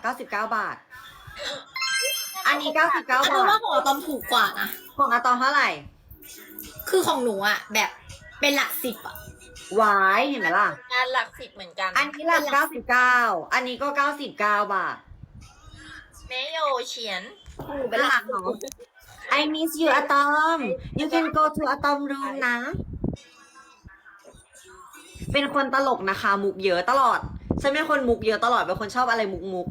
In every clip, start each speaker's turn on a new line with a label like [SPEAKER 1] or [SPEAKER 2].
[SPEAKER 1] 99 บาท อันนี้99 บา
[SPEAKER 2] เพราะว่า
[SPEAKER 1] ท
[SPEAKER 2] ของอะตอมถูกกว่านะ
[SPEAKER 1] ของอะตอมเท่าไหร่
[SPEAKER 2] คือของหนูอะแบบเป็นหลักสิบอะ
[SPEAKER 1] วายเห็นไหมล่ะ
[SPEAKER 3] งานหลักสิบเหมือนกัน
[SPEAKER 1] อันนี้หลัก99 อันนี้ก็99 บาท
[SPEAKER 3] เมโยเฉียน
[SPEAKER 2] หนูเป็นหลัก
[SPEAKER 1] เนาะ I miss you อะตอม you can go to อะตอม room นะ เป็นคนตลกนะคะ มุกเยอะตลอด ฉันเป็นคนมุกเยอะตลอด เป็นคนชอบอะไรมุก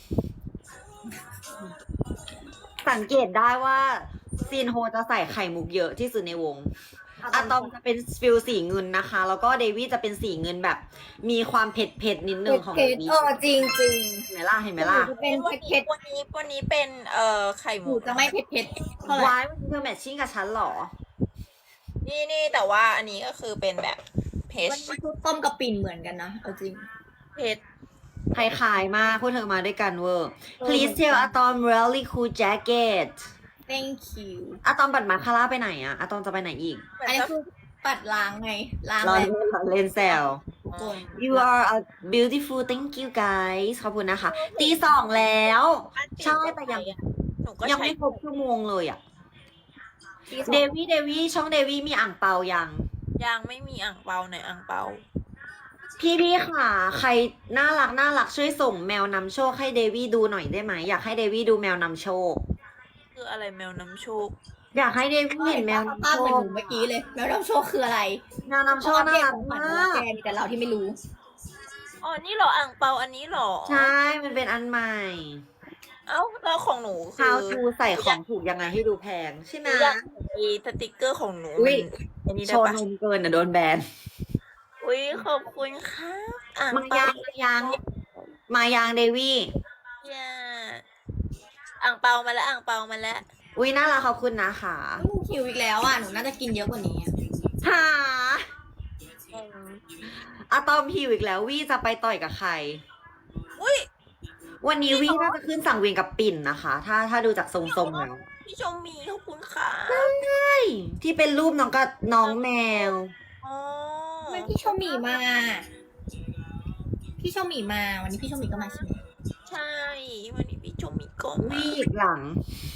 [SPEAKER 1] สังเกตได้ว่าซีนโฮจะใส่ไข่มุกเยอะที่สุดในวง อะตอมจะเป็นฟิลสีเงินนะคะ แล้วก็เดวี่จะเป็นสีเงินแบบ มีความเผ็ดนิดนึงของ
[SPEAKER 2] เผ็
[SPEAKER 1] เด
[SPEAKER 2] ด
[SPEAKER 1] วี่
[SPEAKER 2] จริงจริง
[SPEAKER 1] เห็นไหมล่ะ เห็นไหมล่ะ
[SPEAKER 2] จะเป็นเผ็ด
[SPEAKER 3] วันนี้เป็นไข่
[SPEAKER 2] ห
[SPEAKER 3] ห
[SPEAKER 2] นู
[SPEAKER 3] มู
[SPEAKER 2] จะไม่เผ็ดเท่าไหร่
[SPEAKER 1] วายมันเธอแมทชิ่งกับฉันเหรอ
[SPEAKER 3] นี่แต่ว่าอันนี้ก็คือเป็นแบบเพช
[SPEAKER 2] มันคือต้มกับปิ่นเหมือนกันนะเอาจริง
[SPEAKER 3] เพช
[SPEAKER 1] คล้ายๆมากพวกเธอมาด้วยกันเวอร์ Please tell อะตอม really cool jacket
[SPEAKER 2] thank you
[SPEAKER 1] อะตอมบัตรมาคาร่าไปไหนอะอะตอมจะไปไหนอีก
[SPEAKER 2] อันนี้คือปัดล้างไงล้าง
[SPEAKER 1] รอ
[SPEAKER 2] แล้ว
[SPEAKER 1] เล่นแซว
[SPEAKER 2] ทุกคน
[SPEAKER 1] You are a beautiful thank you guys ขอบคุณนะคะ ตีสองแล้ว ใช่แต่ยัง
[SPEAKER 3] หนูก็
[SPEAKER 1] ยัง
[SPEAKER 3] ใช้
[SPEAKER 1] ไม่ครบชั่วโมงเลยอะ
[SPEAKER 2] ที่สอง
[SPEAKER 1] เดวี่ช่องเดวี่มีอ่างเปายัง
[SPEAKER 3] ยังไม่มีอ่างเปาในอ่างเปา
[SPEAKER 1] พี่ค่ะ ใครน่ารักช่วยส่งแมวนำโชคให้เดวี่ดูหน่อยได้ไหม อยากให้เดวี่ดูแมวนำโชค
[SPEAKER 3] คืออะไรแมวนำโชค
[SPEAKER 1] อยากให้เดวี่เห็นแมวนำ
[SPEAKER 2] ภาพ
[SPEAKER 1] โช
[SPEAKER 2] เหมือน
[SPEAKER 1] ค
[SPEAKER 2] หนูเมื่อกี้เลยแมวน้ำโชคคืออะไร
[SPEAKER 1] แมวนำโชคน่ารัก
[SPEAKER 2] เหมือน
[SPEAKER 1] มาก
[SPEAKER 2] แกมีแต่เราที่ไม่รู้
[SPEAKER 3] อ๋อนี่เหรออ่างเปาอันนี้เหรอ
[SPEAKER 1] ใช่ มันเป็นอันใหม่
[SPEAKER 3] เอ้าแล้วของหนูคื
[SPEAKER 1] How to ใส่ของถูกยังไงให้ดูแพงใช่ไหม
[SPEAKER 3] อยากไอ้สติกเกอร์ของหนู
[SPEAKER 1] อุ๊ย
[SPEAKER 3] อันนี้
[SPEAKER 1] โช
[SPEAKER 3] ได้
[SPEAKER 1] ว์
[SPEAKER 3] ปะ
[SPEAKER 1] นมเกินอ่ะโดนแบน
[SPEAKER 3] อุ้ยขอบคุณค่ะอ่าง
[SPEAKER 1] มา
[SPEAKER 3] เปา
[SPEAKER 1] ยังเดวี่
[SPEAKER 3] อย่าอ่างเปามาแล้วอ่างเปามาแล้ว
[SPEAKER 1] อุ้ยน่ารักขอบคุณนะคะ
[SPEAKER 2] หนูหิวอีกแล้วอ่ะ หนูน่าจะกินเยอะกว่านี้อะ
[SPEAKER 1] หาอะตอมหิวอีกแล้ววี่จะไปต่อยกับใคร
[SPEAKER 3] อุ้ย
[SPEAKER 1] วันนี้วี่น่าจะขึ้นสั่งเวียนกับปิ่นนะคะ ถ้าดูจากทรงๆแล้ว
[SPEAKER 3] พี่ชมมีขอบคุณค่ะ
[SPEAKER 1] ใช่ที่เป็นรูปน้องกับน้องแมว
[SPEAKER 3] อ๋อ
[SPEAKER 2] ทำไมพี่โชหมีมา พี่โชหมีมา วันนี้พี่โชหมีก็มาใช่ไหม
[SPEAKER 3] ใช่วันนี้พี่ชมมีก็มา
[SPEAKER 1] วี่อีกหลัง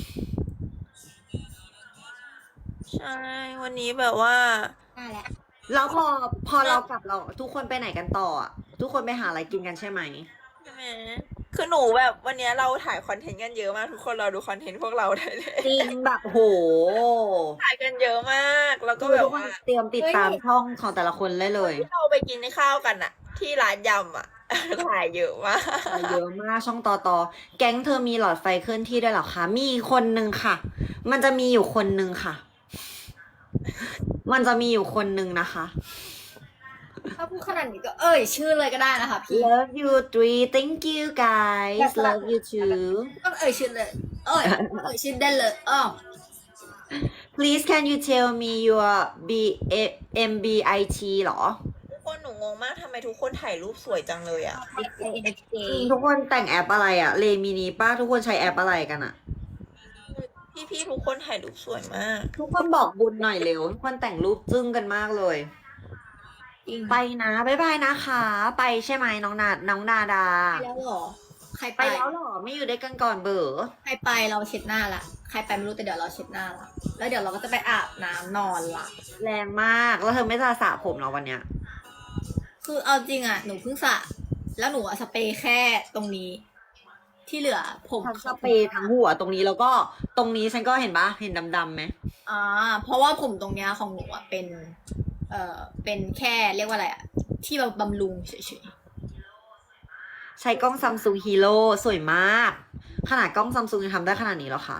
[SPEAKER 3] ใช่วันนี้แบบว่า
[SPEAKER 2] มาแล้ว
[SPEAKER 1] แล้วพอเรากลับเราทุกคนไปไหนกันต่ออะทุกคนไปหาอะไรกินกันใช่ไหม
[SPEAKER 3] ใช่ไหมคือหนูแบบวันนี้เราถ่ายคอนเทนต์กันเยอะมากทุกคนเราดูคอนเทนต์พวกเราได้เลย
[SPEAKER 1] จริงแบบโห
[SPEAKER 3] ถ่ายกันเยอะมาก แล้วก็แบบ
[SPEAKER 1] ทุกคน
[SPEAKER 3] ว่า
[SPEAKER 1] เตรียมติดตามช่องของแต่ละคนได้เลย
[SPEAKER 3] ที่เราไปกินข้าวกันอะที่ร้านยำอะ ถ่ายเยอะมาก
[SPEAKER 1] เยอะมากช่องต่อแก๊งเธอมีหลอดไฟเคลื่อนที่ด้วยเหรอคะ มีคนนึงค่ะ มันจะมีอยู่คนนึงค่ะ มันจะมีอยู่คนนึงนะคะ
[SPEAKER 2] ถ้าพูดขนาดนี้ก็ชื่อเลยก็ได้นะคะพี่
[SPEAKER 1] Love you three thank you guys love you too
[SPEAKER 2] ต้องชื่อเลย ชื่อได้เลย
[SPEAKER 1] please can you tell me your b m b i t หรอ
[SPEAKER 3] ทุกคนหนูงงมากทำไมทุกคนถ่ายรูปสวยจังเลยอะ
[SPEAKER 1] ทุกคนแต่งแอปอะไรอะเลมินีป้าทุกคนใช้แอปอะไรกันอะ
[SPEAKER 3] พี่ทุกคนถ่ายรูปสวยมาก
[SPEAKER 1] ทุกคนบอกบุญหน่อยเร็วทุกคนแต่งรูปจึ้งกันมากเลย ไปนะบ๊ายบายนะคะ ไปใช่ไหมน้องนาดา
[SPEAKER 2] ไปแล้วเหรอ ใคร
[SPEAKER 1] ไป
[SPEAKER 2] ไป
[SPEAKER 1] แล้วเหรอไม่อยู่ด้วยกันก่อนเบอ
[SPEAKER 2] ใครไปเราเช็ดหน้าละ ใครไปไม่รู้แต่เดี๋ยวเราเช็ดหน้าละ แล้วเดี๋ยวเราก็จะไปอาบน้ำนอนละ
[SPEAKER 1] แรงมากแล้วเธอไม่จะสระผมเหรอวันเนี้ย
[SPEAKER 2] คือเอาจริงอ่ะ หนูเพิ่งสระแล้วหนูอะสเปรย์แค่ตรงนี้ ที่เหลือผม
[SPEAKER 1] ฉันสเปรย์ทั้งหัวตรงนี้แล้วก็ตรงนี้ฉันก็เห็นปะเห็นดำๆไหม
[SPEAKER 2] เพราะว่าผมตรงเนี้ยของหนูอ่ะเป็นแค่เรียกว่าอะไรอ่ะ ที่บำรุงเฉย
[SPEAKER 1] ใช้กล้องซัมซุงฮีโร่สวยมาก ขนาดกล้องซัมซุงยังทำได้ขนาดนี้แล้วค่ะ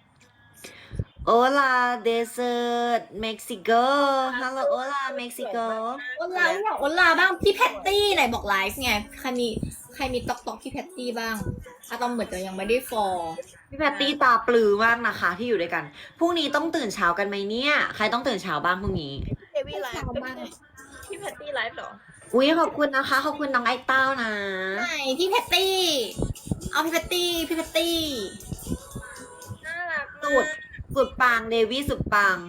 [SPEAKER 1] Hola desert Mexico Hello Hola Mexico
[SPEAKER 2] ๆวันลาอยากวันลาบ้างพี่แพตตี้ไหนบอกไลฟ์ไง ใครมีตอกพี่แพตตี้บ้างอะตอมเหมือนจะยังไม่ได้ฟอล
[SPEAKER 1] พี่แพตตี้ตาปลือมากนะคะที่อยู่ด้วยกัน พรุ่งนี้ต้องตื่นเช้ากันไหมเนี่ย ใครต้องตื่นเช้าบ้างพรุ่งนี้
[SPEAKER 3] เดวี่ไลฟ์พี่แพตตี้ไลฟ์เหรอ
[SPEAKER 1] อุ้ยขอบคุณนะคะ ขอบคุณน้องไอ้เต้านะ
[SPEAKER 2] ไหนพี่แพตตี้ เอาพี่แพตตี้
[SPEAKER 3] น่ารัก
[SPEAKER 1] สุดปังเดวี่สุดปัง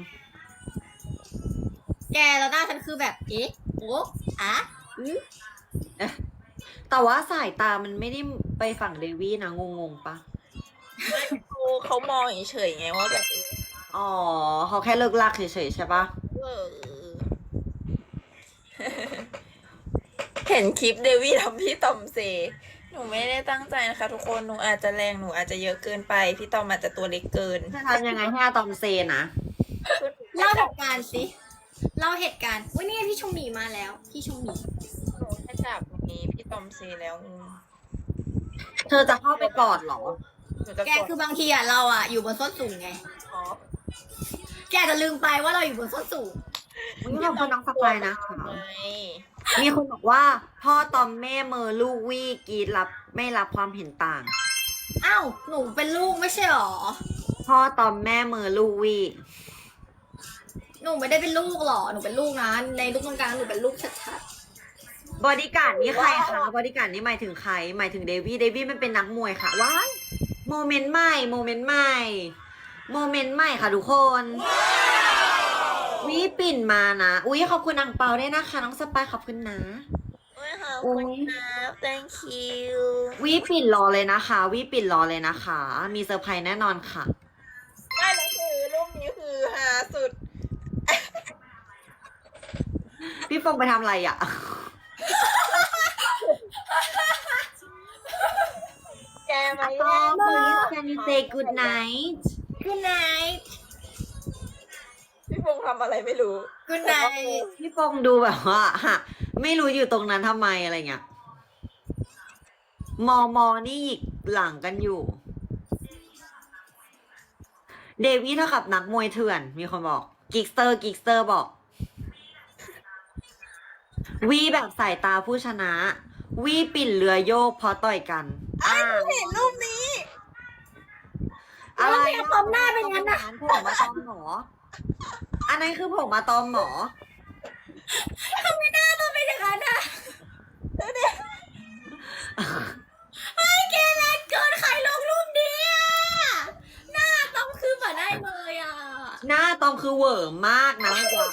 [SPEAKER 2] แกแล้วหน้าฉันคือแบบ โอ้อะ
[SPEAKER 1] แต่ว่าสายตามันไม่ได้ไปฝั่งเดวี่นะงงๆปะ
[SPEAKER 3] เขามองเฉยๆไงว่าแบบ
[SPEAKER 1] อ๋อเขาแค่เลิกลากเฉยๆใช่ปะ
[SPEAKER 3] เออ เห็นคลิปเดวี่ทำพี่ตอมเซ หนูไม่ได้ตั้งใจนะคะ ทุกคน หนูอาจจะแรง หนูอาจจะเยอะเกินไป พี่ตอมอาจจะตัวเล็กเกิน
[SPEAKER 1] จะทำยังไงให้อะตอมเซนะ
[SPEAKER 2] เล่าเหตุการณ์สิเล่าเหตุการณ์อุ้ยนี่ไงพี่ชงหมีมาแล้ว พี่ชงหมี
[SPEAKER 3] หนูแค่จับนี้พี่ตอมเซแล้ว
[SPEAKER 1] เธอจะเข้าไปกอดเหรอ
[SPEAKER 3] หนูจะ
[SPEAKER 2] แกคือบางทีอ่ะเราอ่ะอยู่บนส้นสูงไง
[SPEAKER 3] ขอ
[SPEAKER 2] แกอาจจะลืมไปว่าเราอยู่บนส้นสูง
[SPEAKER 1] นี่ขอบคุณน้องสปายนะคะ
[SPEAKER 3] ไง
[SPEAKER 1] มีคนบอกว่า พ่อตอมแม่เมอลูกวี่กรีดรับไม่รับความเห็นต่าง
[SPEAKER 2] อ้าวหนูเป็นลูกไม่ใช่หรอ
[SPEAKER 1] พ่อตอมแม่เมอลูกวี่
[SPEAKER 2] หนูไม่ได้เป็นลูกหรอหนูเป็นลูกนะในลูกตรงกลางหนูเป็นลูกชัด
[SPEAKER 1] บอดี้การ์ดนี่ใครคะบอดี้การ์ดนี่หมายถึงใคร หมายถึงเดวี่ เดวี่มันเป็นนักมวยค่ะ ว้ายโมเมนต์ใหม่ โมเมนต์ใหม่ โมเมนต์ใหม่ค่ะทุกคนวิปิ่นมานะ อุ๊ยขอบคุณอังเปาด้วยนะคะ น้องสปายขอบคุณนะ
[SPEAKER 3] โอ้ยขอบคุณครับ thank you
[SPEAKER 1] วิปิ่นรอเลยนะคะ วิปิ่นรอเลยนะคะ มีเซอร์ไพรส์แน่นอนค่ะ
[SPEAKER 3] ไม่แล้วคือรูปนี้คือหาสุด
[SPEAKER 1] พี่ฟงไปทำอะไรอ่ะ
[SPEAKER 3] แกมา
[SPEAKER 1] ต
[SPEAKER 3] แย่
[SPEAKER 1] อง
[SPEAKER 3] ง
[SPEAKER 1] please can you say good night
[SPEAKER 2] ๆ Good night
[SPEAKER 3] พี่ฟงทำอะไรไม่รู้
[SPEAKER 2] Good night
[SPEAKER 1] พี่ฟงดูแบบว่าฮะไม่รู้อยู่ตรงนั้นทำไมอะไรเงี้ย มอนี่หยิกหลังกันอยู่ เดวี่เท่ากับนักมวยเถื่อน มีคนบอก กิกสเตอร์บอก วีแบบสายตาผู้ชนะ วีปิ่นเรือโยกเพราะต่อยกัน
[SPEAKER 3] เห็นรูปนี้
[SPEAKER 1] อะไร
[SPEAKER 2] แล้วทำไมอะตอมหน้าเป็นงั้นอะ
[SPEAKER 1] ผมมาตอมหมอ อันนั้นคือผมมาตอมหมอ
[SPEAKER 2] ทำไมหน้าต้องเป็นอย่างนั้นอะไอ้แกแรงเกินใครลงรูปนี้อะหน้าต้องคือแบบได้เลยอะ
[SPEAKER 1] หน้าตอมคือเหวอร์มากนะเมื่อกี้